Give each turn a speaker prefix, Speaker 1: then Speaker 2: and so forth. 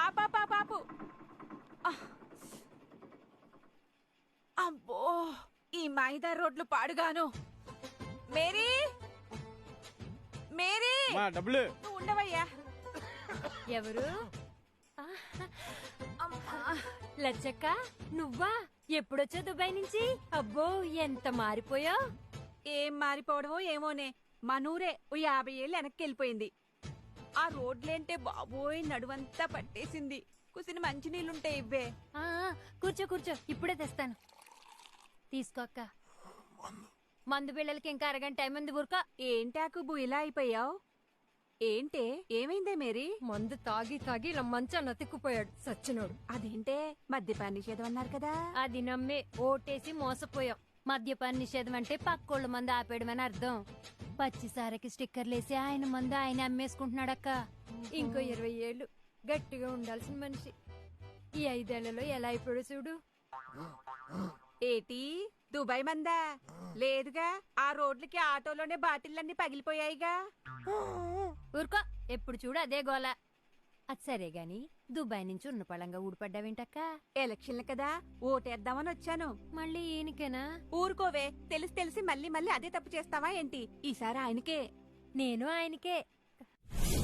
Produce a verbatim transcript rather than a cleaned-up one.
Speaker 1: ఆపా పాపు. అబ్బో ఈ మైదా రోడ్లు పాడుగాను. మేరీ మేరీ
Speaker 2: డబ్బులు
Speaker 1: నువ్వు ఉండవయ్యా.
Speaker 3: ఎవరు? లచ్చక్క నువ్వా? ఎప్పుడొచ్చా దుబాయ్ నుంచి? అబ్బో ఎంత మారిపోయావు.
Speaker 1: ఏం మారిపోవడమో ఏమోనే, మనూరే ఓ యాభై ఏళ్ళు వెనక్కి వెళ్ళిపోయింది. ఆ రోడ్లేంటే బాబోయ్ నడువంతా పట్టేసింది. కుసిన మంచినీళ్ళుంటే ఇవ్వే.
Speaker 3: ఆ కూర్చో కూర్చో, ఇప్పుడే తెస్తాను. తీసుకో అక్క. మందు బిళ్ళలకి ఇంకా అరగంట టైం ఉంది. ఊరుకో.
Speaker 1: ఏంటాకుబు ఇలా అయిపోయావు? ఏంటే ఏమైందే మేరీ?
Speaker 3: మందు తాగి తాగి ఇలా మంచా నతిక్కుపోయాడు సచ్చినోడు.
Speaker 1: అదేంటే మద్యపాన నిషేధం అన్నారు కదా.
Speaker 3: అది నమ్మే ఓటేసి మోసపోయాం. మద్యపాన నిషేధం అంటే పక్కోళ్ళ మందు ఆపేయడమని అర్థం. పచ్చిసారకి స్టిక్కర్లేసి ఆయన మందు ఆయన అమ్మేసుకుంటున్నాడక్క. ఇంకో ఇరవై ఏళ్ళు గట్టిగా ఉండాల్సిన మనిషి ఈ ఐదేళ్లలో ఎలా అయిపోయాడు చూడు.
Speaker 1: ఏటి దుబాయ్ మందా? లేదుగా, ఆ రోడ్లకి ఆటోలోనే బాటిల్లన్నీ పగిలిపోయాయిగా.
Speaker 3: ఊరుకో, ఎప్పుడు చూడు అదే గోల. అది సరే గాని దుబాయ్ నుంచి ఉన్న పళంగా ఊడిపడ్డావేంటక్క?
Speaker 1: ఎలక్షన్లు కదా, ఓటేద్దామని వచ్చాను.
Speaker 3: మళ్ళీ ఈయనకేనా?
Speaker 1: ఊరుకోవే, తెలిసి తెలిసి మళ్ళీ మళ్ళీ అదే తప్పు చేస్తావా ఏంటి? ఈసారి ఆయనకే.
Speaker 3: నేను ఆయనకే.